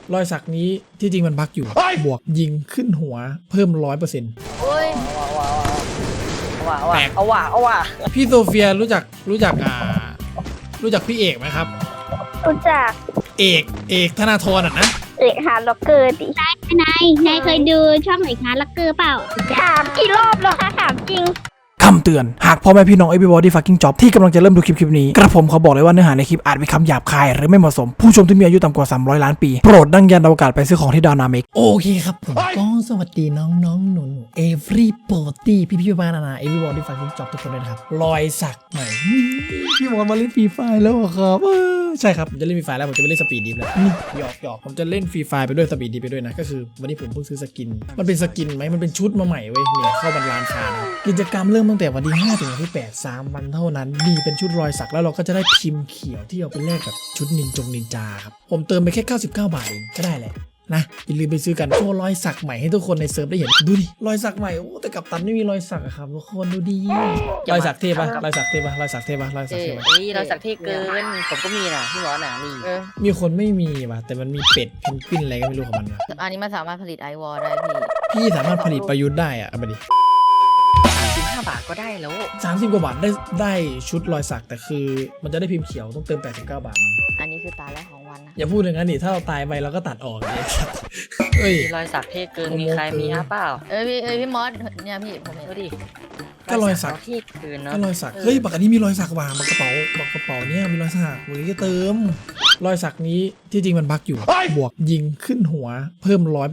รอยสักนี้ที่จริงมันบั๊กอยู่บวกยิงขึ้นหัวเพิ่ม 100% โอ้ยแตกเอาว่ะพี่โซเฟียรู้จักพี่เอกไหมครับรู้จักเอกธนาธรอ่ะนะเอกหาล็อกเกอร์ดินายเคยดูช่องไหนคะลักเกอร์เปล่าถามกี่รอบแล้วคะถามจริงคำเตือนหากพ่อแม่พี่น้อง everybody fucking job ที่กำลังจะเริ่มดูคลิปนี้กระผมเขาบอกเลยว่าเนื้อหาในคลิปอาจมีคำหยาบคายหรือไม่เหมาะสมผู้ชมที่มีอายุต่ำกว่า300 ล้านปีโปรดดังยันอวกาศไปซื้อของที่ดาวนาเมกโอเคครับผมก็สวัสดีน้องหนู everybody พี่บ้านนา everybody fucking job ทุกคนเลยนะครับรอยสักใหม่พี่บอลมาเล่นฟรีไฟแล้วครับใช่ครับผมจะเล่นฟรีไฟแล้วผมจะไปเล่นสปีดดิฟแล้วนี่หยอกผมจะเล่นฟรีไฟไปด้วยสปีดดิฟไปด้วยนะก็คือวันนี้ผมเพิ่งซื้อสกินมันเป็นสกินไหมมันเป็นชุดมาใหม่เว้ยเนี่ยเข้าบรรลานคานะกิจกรรมเริ่มตั้งแต่วันที่5ถึงวันที่8 3 วันเท่านั้นมีเป็นชุดรอยสักแล้วเราก็จะได้พิมพ์เขียวที่เอาไปแลกกับชุดนินจาครับผมเติมไปแค่99 บาทเองก็ได้แหละนะอย่าลืมไปซื้อกันโชว์รอยสักใหม่ให้ทุกคนในเซิร์ฟได้เห็นดูดิรอยสักใหม่โอ้แต่กัปตันไม่มีรอยสักอะครับทุกคนดูดีรอยสักเท่ปะรอยสักเท่ปะรอยสักเท่ปะรอยสักเท่ปะเฮ้ยเราสักเท่เกินผมก็มีนะพี่หมอหนามีมีคนไม่มีว่ะแต่มันมีเป็ดเพนกวินอะไรก็ไม่รู้ของมันว่ะอันนี้มันสามารถผลิตไอวอลได้พี่พี่สามารถผลิตประยุทธ์ได้อะเอามาดิ 35 บาทก็ได้แล้ว 30 กว่าบาทได้ชุดรอยสักแต่คือมันจะได้พิมพ์เขียวต้องเติม89 บาทอันนี้คือตาแรกของวันนะอย่าพูดอย่างนั้นดิถ้าเราตายไปเราก็ตัดออกเลยครับเอ้ยมีรอยสักเท่เกินมีใครมีฮะเปล่าพี่มอสเนี่ยพี่ผมเห็นดูดิก็รอยสักเท่เกินเนาะก็รอยสักเฮ้ยบักอันนี้มีรอยสักว่ะบักกระเป๋าเนี่ยมีรอยสักวันนี้จะเติมรอยสักนี้ที่จริงมันบั๊กอยู่บวกยิงขึ้นหัวเพิ่ม 100%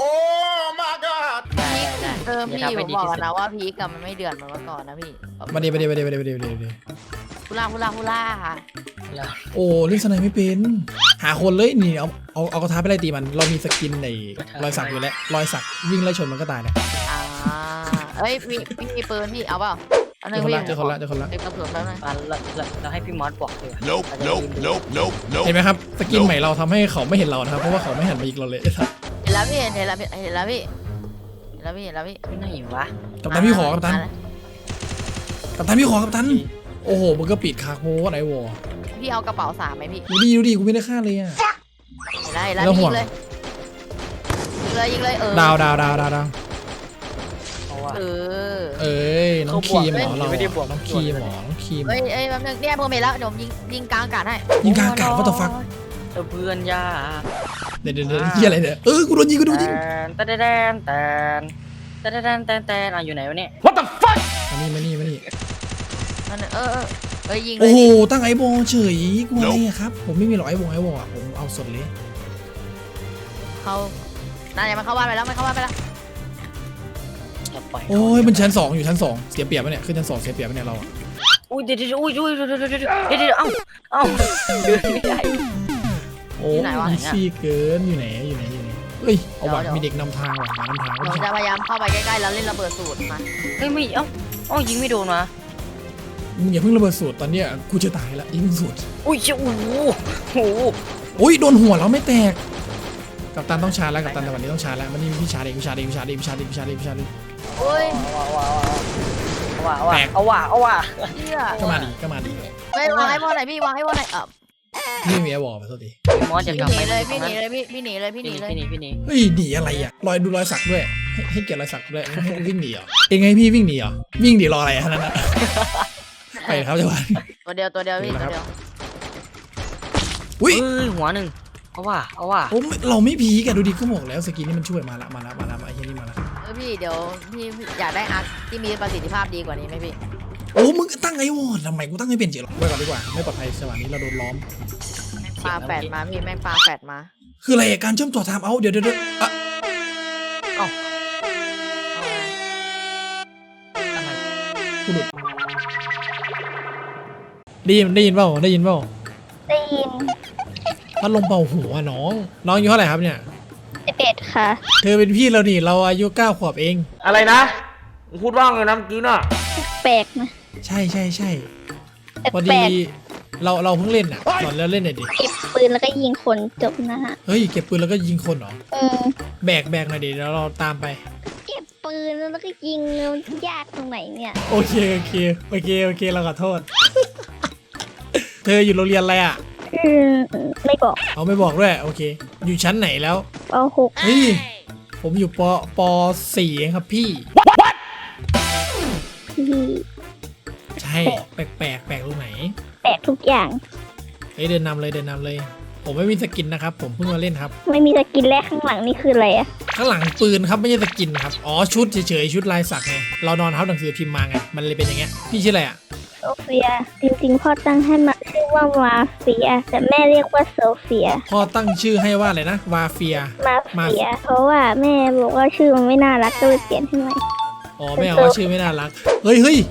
ได้พี่ผมบอกนะว่าพีกับมันไม่เดือดเหมือนเมื่อก่อนนะพี่มาดิฮูล่าค่ะแล้วโอ้เล่นสไนไม่เป็นหาคนเลยนี่เอากระทะไปไล่ตีมันเรามีสกินในรอยสักอยู่แล้วรอยสักวิ่งไล่ชนมันก็ตายแล้วเอ้ยพี่มีปืนพี่เอาเปล่าอันนึงพี่เจอคนละเด็กกระสุนแล้วนะเราให้พี่มอสบอกเลยเห็นไหมครับสกินใหม่เราทำให้เขาไม่เห็นเรานะครับเพราะว่าเขาไม่หันมายิงเราเลยเห็นแล้วพี่เห็นแล้วพี่ที่ไหนวะกัปตันพี่ขอกัปตันพี่ขอกัปตันโอ้โหมึงก็ปิดคาโค้ดไอวอพี่เอากระเป๋า3ไหมพี่ดูดิกูไม่ได้ฆ่าเลยอ่ะเห็นแล้วยิงเลยดาวเพราะว่าเอ้ยน้องคีมเหรอเราไม่ได้บวกน้องคีมเหรอน้องคีมเอ้ยแป๊บนึงเนี่ยผมเห็นแล้วเดี๋ยวผมยิงกลางอากาศให้ยิงกลางอากาศว่าต่อฟักเพื่อนยาเดี๋ยวเฮียอะไรเนี่ยกูโดนยิงแตนอยู่ไหนวะเนี่ยมานี่ยิงเลโอ้ยโหตั้งไอบอลเฉยกูอะไรอะครับผมไม่มีหรอกไอบอลอะผมเอาสดเลยเขาน่าจะมันเข้าบ้านไปแล้วโอ้ยมันชั้น2อยู่ชั้น2เสียเปรียบปะเนี่ยขึ้นชั้น2เสียเปรียบปะเนี่ยเราอะอุ้ยเดี๋ยวเอ้าเดินไม่ได้โอ้ยซี่เกินอยู่ไหนเฮ้ยเอาว่ะมีเด็กนำทางว่ะหานำทางผมจะพยายามเข้าไปใกล้ๆแล้วเล่นระเบิดสูตรมาเฮ้ยไม่เอ้ายิงไม่โดนวะมึงอย่าเพิ่งระเบิดสูตรตอนเนี้ยกูจะตายละยิงสูตรอุ้ยโอ้โหโอ้ยโดนหัวเราไม่แตกกัปตันต้องชาร์จแล้วกัปตันแต่วันนี้ต้องชาร์จแล้วมันนี่พี่ชาร์จเองโอ้ยเอาว่ะเชี่ยก็มาดีไม่วางให้พ่อไหนพี่วางให้พ่อไหนพี่มีไอวอลไปโทษทีมอสจะกลับพี่หไปนีเลยพี่หนีเลยพี่หนีเฮ้ยหนีอะไรอ่ะดูรอยสักด้วยให้เกียรติรอยสักด้วยให้วิ่งหนีเหรอเองไงพี่วิ่งหนีเหรอวิ่งหนีรออะไรฮะนั่นน่ะไปครับจังหวะตัวเดียวพี่ตัวเดียวอุ้ยหัวหนึ่งเอาว่ะโอ้เราไม่พีกันดูดิก็บอกแล้วสกินนี่มันช่วยมาละไอ้เหี้ยนี่มาละพี่เดี๋ยวพี่อยากได้อาร์คที่มีประสิทธิภาพดีกว่านี้ไหมพี่โอ้มึงตั้งไอ้วอร์ดทำไมกูตั้งไม่เป็นเจ๋อหรอไว้ก่อนดีกว่าไม่ปลอดภัยจังหวะนี้เราโดนล้อมปาแฟดมาพี่แม่งปาแฟดมาคืออะไรการเชื่อมต่อไทม์เอาเดี๋ยวอะอะไรกูหลุดได้ยินเปล่าได้ยินพัดลมเป่าหัวน้องอายุเท่าไหร่ครับเนี่ย 11ค่ะเธอเป็นพี่เรานี่เราอายุ9 ขวบเองอะไรนะพูดว่าไงนะเมื่อกี้น่ะแปลกนะใช่พอแปลดีกเราเพิ่งเล่นอ่ะสอนแล้วเล่นหน่อยดิเก็บปืนแล้วก็ยิงคนจบนะฮะเฮ้ยเก็บปืนแล้วก็ยิงคนเหรอ แบกหน่อยดิแล้วเราตามไปเก็บปืนแล้วก็ยิงมันยากตรงไหนเนี่ยโอเคเราขอโทษ เธออยู่โรงเรียนอะไรอ่ะไม่บอกเอาไม่บอกด้วยโอเค อยู่ชั้นไหนแล้วป .6 เฮ้ยผมอยู่ป .4 เองครับพี่พี่ใช่แปลกแปลกตรงไหนแปะทุกอย่างเฮ้ยเดินนำเลย ผมไม่มีสกินนะครับผมเพิ่งมาเล่นครับไม่มีสกินแรกข้างหลังนี่คืออะไรอะข้างหลังปืนครับไม่ใช่สกินครับอ๋อชุดเฉยๆชุดลายสักไงเรานอนทับหนังสือพิมพ์มาไงมันเลยเป็นอย่างเงี้ยพี่ชื่ออะไรอ่ะโซเฟีย จริงๆพ่อตั้งให้มาชื่อว่ามาเฟีย แต่แม่เรียกว่าโซเฟียพ่อตั้งชื่อให้ว่าอะไรนะวาเฟียมาเฟีย เพราะว่าแม่บอกว่าชื่อมันไม่น่ารักก็เลยเปลี่ยนให้ใหม่อ๋อไม่เอาว่าชื่อไม่น่ารักเฮ้ย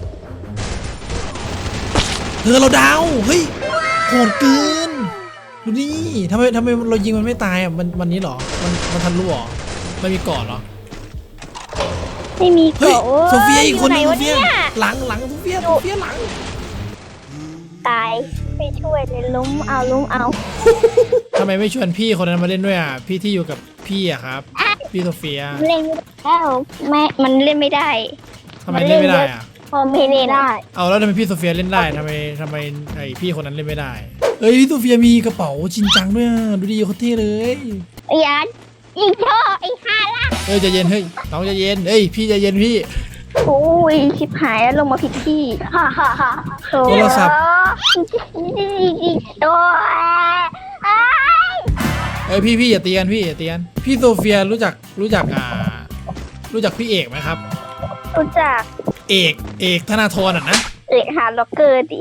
เธอเราดาวเฮ้ยโหดเกินดูนี่ทำไมเรายิงมันไม่ตายอ่ะมันนี้เหรอมันทันรู้เหรอมันมีเกาะเหรอไม่มีเฮ้ยเกาะโอ้โซเฟียอีกคนนึงยู่โซไหเฟียวะเนี่ยหลังโซเฟียหลังตายไม่ช่วยเลยล้มเอาทำไมไม่ชวนพี่คนนั้นมาเล่นด้วยอ่ะพี่ที่อยู่กับพี่อ่ะครับพี่โซเฟียเล่นไม่ได้แล้วแม่มันเล่นไม่ได้ทำไมเล่นไม่ได้อ่ะพอไม่เล่นได้เอาแล้วทำไมพี่โซเฟียเล่นได้ทำไมไอพี่คนนั้นเล่นไม่ได้เอ้ยพี่โซเฟียมีกระเป๋าจริงจังด้วยอ่ะดูดิโคตรเท่เลยยันยิงช่อไอ้ห่าล่ะเอ้ยใจเย็นเฮ้ยน้องใจเย็นเอ้ยพี่ใจเย็นพี่โอ้ยชิบหายแล้วลงมาผิดที่ฮ่าโทรศัพท์โอ้ยเอ้ยพี่อย่าเตียนพี่โซเฟียรู้จักพี่เอกไหมครับรู้จักเอกธนาธรอ่ะนะเอกหาล็อกเกอร์ดิ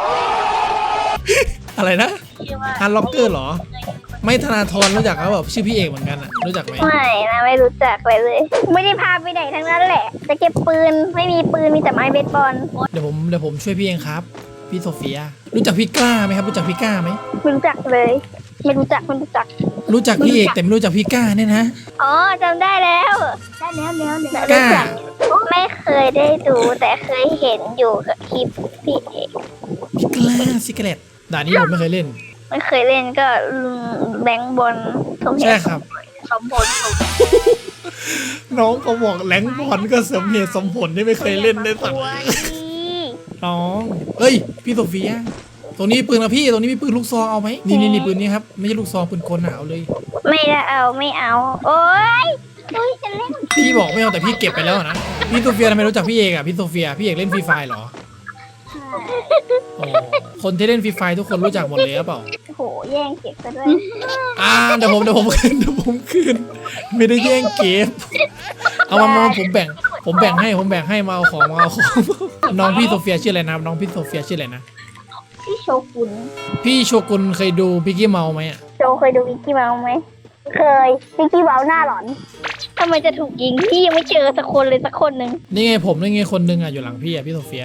อะไรนะฮันล็อกเกอร์เหรอไม่ธนาธรรู้จักเขาแบบชื่อพี่เอกเหมือนกันอ่ะรู้จักไหมไม่นะไม่รู้จักเลย ไม่ได้พาไปไหนทั้งนั้นแหละ จะเก็บปืนไม่มีปืนมีแต่ไม้เบสบอลเดี๋ยวผมช่วยพี่เองครับพี่โซเฟียรู้จักพี่กล้าไหมครับรู้จักพี่กล้าไหมไม่รู้จักเลย ไม่รู้จักรู้จักพี่เอกแต่ไม่รู้จักพี่กล้าเนี่ยนะอ๋อจำได้แล้วได้แล้วกล้าไม่เคยได้ดูแต่เคยเห็นอยู่กับคลิปพี่เอกพี่กล้าซิกเกเลตด่านนี้ผมไม่เคยเล่นไม่เคยเล่นก็แบงค์บอลสมเหใช่ตุครับสมผลน้องเขาบอกแหลงบอลก็สมเหตุสมผลที่ไม่เคยเล่นได้สัก น้องเอ้ยพี่โซเฟียตรงนี้ปืนนะพี่ตรงนี้มีปืนลูกซองเอาไหมนี่ปืนนี้ครับไม่ใช่ลูกซองปืนกลน่ะเอาเลยไม่ได้เอาไม่เอา โอ๊ยจะเล่นพี่บอกไม่เอาแต่พี่เก็บไปแล้วนะพี่โซเฟียทำไมรู้จักพี่เอกอ่ะพี่โซเฟียพี่เอกเล่นฟรีไฟเหรอโอ้คนที่เล่นฟรีไฟทุกคนรู้จักหมดเลยหรือเปล่าโหแย่งเก็บซะด้วยเดี๋ยวผมคืนไม่ได้แย่งเก็บเอามาผมแบ่งให้มาเอาของน้องพี่โซเฟียชื่ออะไรนะน้องพี่โซเฟียชื่ออะไรนะพี่โชกุนพี่โชกุนเคยดูบิกกี้เมาไหมอ่ะโจเคยดูวิกกี้เมาส์ไหมเคยวิกกี้เมาส์หน้าหลอนทำไมจะถูกยิงพี่ยังไม่เจอสักคนเลยสักคนหนึ่งนี่ไงผมนี่ไงคนนึงอ่ะอยู่หลังพี่อ่ะพี่โซเฟียว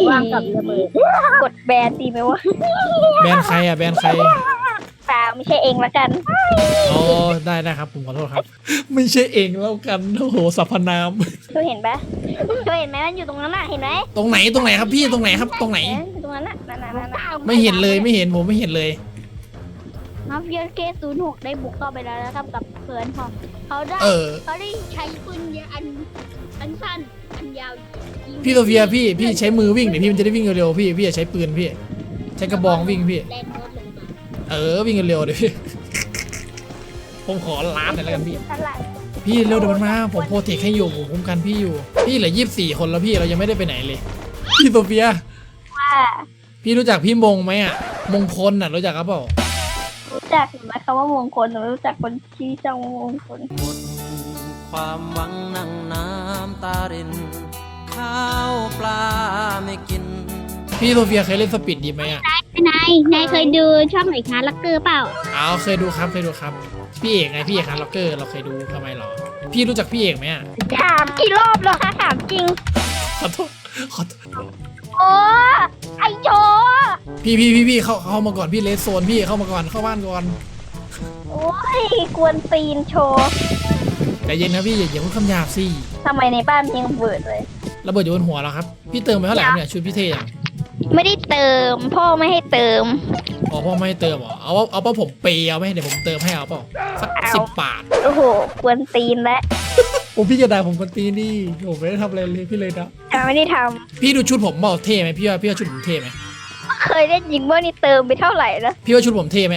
างกับระเบิดกดแบนดีไหมวะแบนใครอ่ะแบนใครเปล่าไม่ใช่เองละกันอ๋อได้ครับผมขอโทษครับ ไม่ใช่เองแล้วกันโอ้โหสรรพนามเธอเห็นปะเธอเห็นไหมมันอยู่ตรงนั้นน่ะเห็นไหมตรงไหนครับพี่ตรงไหนครับตรงไหนอยู่ตรงนั้นน่ะนั่นไม่เห็นเลยผมไม่เห็นเลยมาเฟียเค06ได้บุกเข้าไปแล้วนะครับกับเพื่อนเขาได้เออเขาได้ใช้ปืนเยอะอันสั้นอันยาวยิงพี่โซเฟียพี่ใช้มือวิ่งเดี๋ยวพี่มันจะได้วิ่งเร็วๆพี่อย่าใช้ปืนพี่ใช้กระบองวิ่งพี่แรงรถลงมาวิ่งเร็วๆเดี๋ยวพี่ผมขอล้านหน่อยแล้วกันพี่ตลาดพี่เร็วเดี๋ยวมันมาผมโปรเทคให้อยู่ผมคุ้มกันพี่อยู่พี่เหลือ24 คนแล้วพี่เรายังไม่ได้ไปไหนเลยพี่โซเฟียว่าพี่รู้จักพี่มงไหมอ่ะมงคลอ่ะรู้จักครับเปล่ารู้จักไหมคำว่ามงคลหนูรู้จักคนที่เจ้ามงคลหมดความหวังนั่งน้ำตาริน ข้าวปลาไม่กินพี่โซเฟียเคยเล่นสปีดดีไหมอ่ะนายเคยดูช่องไหนคะลักเกอร์เปล่าเคยดูครับพี่เอกไงพี่เอกฮันล็อกเกอร์เราเคยดูทำไมหรอพี่รู้จักพี่เอกไหมอ่ะถามกี่รอบแล้วคะถามจริงขอโทษโอ้ไอโจพี่เข้ามาก่อนพี่เลสโซนพี่เข้ามาก่อนเข้าบ้านก่อนโอ้ยกวนตีนโชว์ใจเย็นนะพี่อย่าพูดคำหยาบสิทำไมในบ้านยังเบิดเลยระเบิดอยู่บนหัวแล้วครับพี่เติมไปเท่าไหร่ครับเนี่ยชุดพี่เท่ยังไม่ได้เติม พ่อไม่ให้เติมอ๋อพ่อไม่ให้เติมเหรอเอาเปล่าผมเปย์เอาไหมเดี๋ยวผมเติมให้เอาเปล่าสักเอา 10 บาทโอ้โหกวนตีนแล้วโอ้พี่จะด่าผมคนตีนี่ผมไม่ได้ทำอะไรเลยพี่เลยนะไม่ได้ทพี่ดูชุดผมบอกเท่ไหมพี่ว่าชุดผมเท่ไหมำเคยได้ยิงว่านี่เติมไปเท่าไหร่แล้วพี่ว่าชุดผมเท่ไหมอะ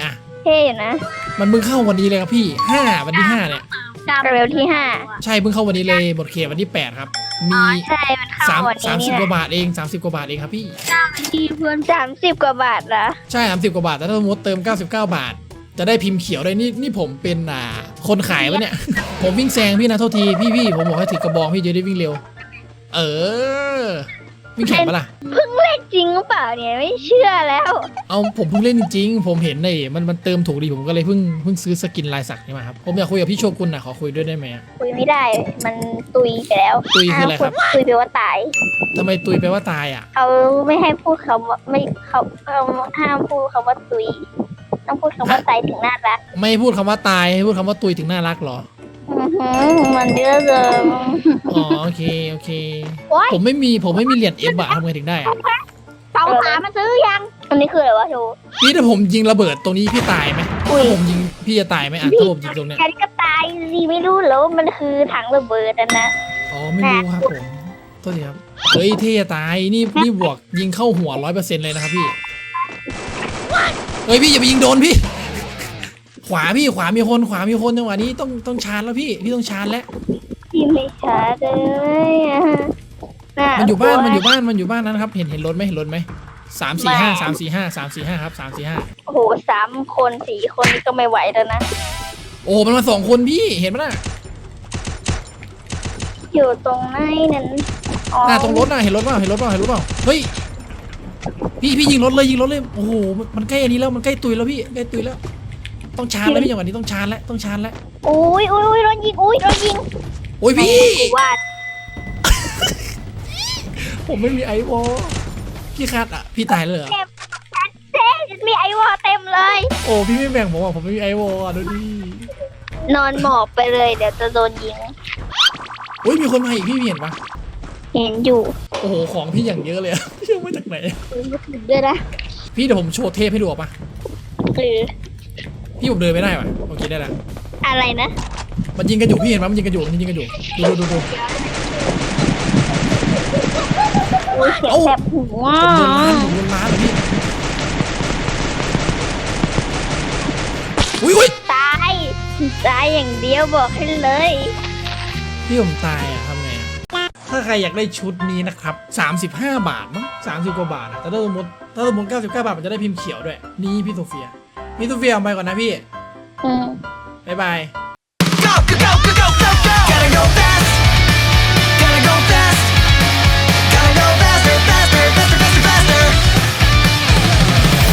เท่นะมันเพิ่งเข้าวันนี้เลยครับพี่5วันที่5เนี่ยเร็วที่ห้าใช่เพิ่งเข้าวันนี้เลยหมดเขตวันที่8ครับมีใช่มันเข้าวันนี้ 30 นี่กว่าแหละบาทเอง30กว่าบาทเองครับพี่ที่เพื่อน 30 กว่าบาทเหรอใช่30กว่าบาทแต่ถ้าสมมติเติม99 บาท จะได้พิมพ์เขียวได้นี่ผมเป็นคนขายวะเนี่ย ผมวิ่งแซงพี่นะโทษทีพี่ผมบอกให้ถือกระบองพี่จะได้วิ่งเร็ว เออวิ่งแข่งปะล่ะจริงหรือเปล่าเนี่ยไม่เชื่อแล้วเอาผมเพิ่งเล่นจริงๆผมเห็นเลยมันเติมถูกดีผมก็เลยเพิ่งซื้อสกินลายสักนี่มาครับผมอยากคุยกับพี่โชกุนขอคุยด้วยได้ไหมอะคุยไม่ได้ มันตุยไปแล้วตุยคืออะไรครับตุยไปว่าตายทำไมตุยแปลว่าตายอ่ะเขาไม่ให้พูดคำว่าไม่เขาห้ามพูดคำว่าตุย ต้องพูดคำว่าตายถึงน่ารักไม่พูดคำว่าตายให้พูดคำว่าตุยถึงน่ารักเหรอมันเยอะเลยอ๋อโอเคผมไม่มีเหรียญเอฟอะทำไงถึงได้อะ 2-3มาซื้อยังอันนี้คืออะไรวะโชว์พี่ถ้าผมยิงระเบิดตรงนี้พี่ตายไหมอุ้ยถ้าผมยิงพี่จะตายไหมอ่ะถ้าผมยิงตรงเนี้ยแค่นี้ก็ตายสิไม่รู้แล้วว่ามันคือถังระเบิดอะนะอ๋อไม่รู้ครับผมโทษทีครับเฮ้ยเท่จะตายนี่บวกยิงเข้าหัว 100% เลยนะครับพี่เฮ้ยพี่อย่าไปยิงโดนพี่ ขวามีคนจังหวะนี้ต้องชาร์จแล้วพี่ต้องชาร์จแล้วพี่ไม่ช้าเลยอะะมันอยู่บ้านนั้นครับเห็นรถไหม345ครับ345 โอ้โห3 คน 4 คนนี่ก็ไม่ไหวแล้วนะโอ้มันมา2 คนพี่เห็นไหมน่ะอยู่ตรงไหนนั้นอ๋อตรงรถน่ะเห็นรถเปล่าเฮ้ยพี่ยิงรถเลยโอ้โหมันใกล้อันนี้แล้วมันใกล้ตุยแล้วพี่ใกล้ตุยแล้วต้องชาร์จแล้วพี่จังหวะนี้ต้องชาร์จแล้วอุ้ยโดนยิงโดนยิงโอ้ยพี่ว่าผมไม่มีไอวอลพี่คัดอ่ะพี่ตายเลยเหรอมีไอวอเต็มเลยโอ้พี่ไม่แบ่งผมอ่ะผมไม่มีไอวอลอ่ะดูดินอนหมอบไปเลยเดี๋ยวจะโดนยิงโอ้ยมีคนมาอีกพี่เห็นปะเห็นอยู่โอ้โหของพี่อย่างเยอะเลยอะ พี่เอามาจากไหนด้วยนะพี่เดี๋ยวผมโชว์เทปให้ดูอ่ะปะคือพี่ผมเดินไม่ได้ป่ะโอเคได้ละอะไรนะมันยิงกันอยู่พี่เห็นปะมันยิงกันอยู่ดูอุ้ยเสียงแสบหูอ่ะผมโดนล้านเลยพี่อุ้ยตายอย่างเดียวบอกให้เลยพี่ผมตายอ่ะทำไงอะถ้าใครอยากได้ชุดนี้นะครับ35 บาทมั้ง30 กว่าบาทอะแต่ถ้าสมมติ99 บาทมันจะได้พิมพ์เขียวด้วยนี่พี่โซเฟียเอาไปก่อนนะพี่อืมบ๊ายบาย